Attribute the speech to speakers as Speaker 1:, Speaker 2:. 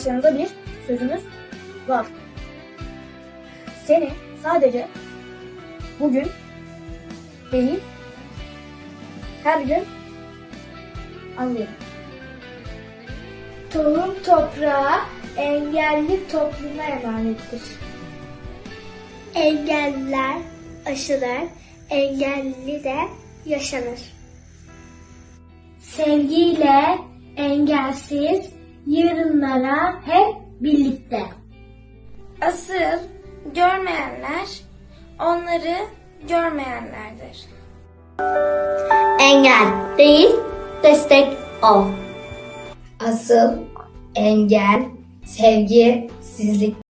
Speaker 1: başlarında bir sözümüz var. Seni sadece bugün değil, her gün anlıyorum.
Speaker 2: Tohum toprağa, engelli topluma emanettir. Engelliler aşılır, engelli de yaşanır. Sevgiyle engelsiz yarınlara hep birlikte.
Speaker 3: Asıl görmeyenler onları görmeyenlerdir.
Speaker 2: Engel değil, destek ol.
Speaker 4: Asıl engel sevgisizlik.